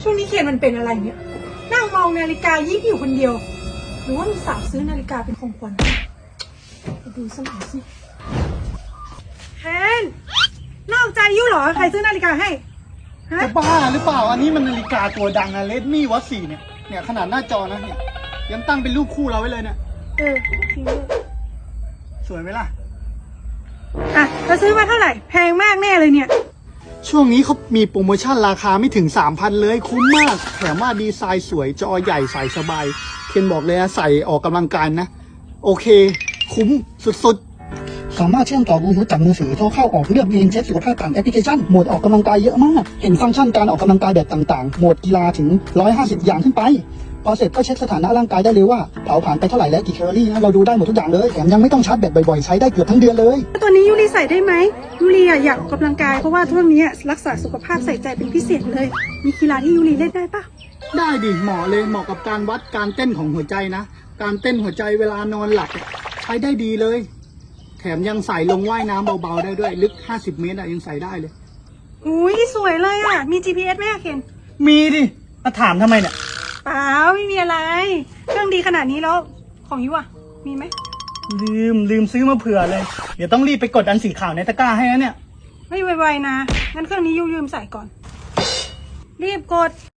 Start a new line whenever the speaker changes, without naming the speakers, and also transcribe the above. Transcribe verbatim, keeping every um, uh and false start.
ช่วงนี้เคนมันเป็นอะไรเนี่ยนั่งมองนาฬิกายิบอยู่คนเดียวหรือว่ามีสาวซื้อนาฬิกาเป็นของขวัญไปดูสมัยสิเคนนอกใจยุ่เหรอใครซื้อนาฬิกาให้ฮะ
จะบ้าหรือเปล่าอันนี้มันนาฬิกาตัวดังนะเลดมี่วอตสี่เนี่ยเนี่ยขนาดหน้าจอนะเนี่ยยังตั้งเป็นรูปคู่เราไว้เลยเนี่ย
เออจริงด้วย
สวยไหมล่ะ
อ่ะเราซื้อมาเท่าไหร่แพงมากแน่เลยเนี่ย
ช่วงนี้เขามีโปรโมชั่นราคาไม่ถึง สามพัน เลยคุ้มมากแถมว่าดีไซน์สวยจอใหญ่ใส่สบายเคนบอกเลยนะใส่ออกกำลังกายนะโอเคคุ้มสุดๆสามารถเชื่อมต่อบลูทูธจากมือถือโทรเข้าออกเลือกเองเช็คสุขภาพผ่านแอปพลิเคชันโหมดออกกำลังกายเยอะมากเห็นฟังก์ชันการออกกำลังกายแบบต่างๆโหมดกีฬาถึงหนึ่งร้อยห้าสิบอย่างขึ้นไปพอเสร็จก็เช็คสถานะร่างกายได้เลยว่าเผาผลาญไปเท่าไหร่และกี่แคลอรี่นะเราดูได้หมดทุกอย่างเลยแถมยังไม่ต้องชาร์จแบตบ่อยๆใช้ได้เกือบทั้งเดือนเลย
ตัวนี้ยูรีใส่ได้ไหมยูรีอะอยากออกกำลังกายเพราะว่าช่วงนี้รักษาสุขภาพใส่ใจเป็นพิเศษเลย มีกีฬาที่ยูรีเล่นได้ปะ
ได้ดิเหมาะเลยเหมาะกับการวัดการเต้นของหัวใจนะการเต้นหัวใจเวลานอนหลับใช้ได้ดีเลยแถมยังใส่ลงว่ายน้ำเบาๆได้ด้วยลึกห้าสิบเมตรอะยังใส่ได้เลย
อุ้ยสวยเลยอะมี จี พี เอส ไหมอะเคน
มีดิมาถามทำไมเนี่ย
เปล่าไม่มีอะไรเครื่องดีขนาดนี้แล้วของยูอะมีไหม
ลืมลืมซื้อมาเผื่อเลยเดี๋ยวต้องรีบไปกดอันสีขาวในตะกร้าให้นะเนี่ย
ไม่ไวๆนะงั้นเครื่องนี้ยูยืมใส่ก่อน รีบกด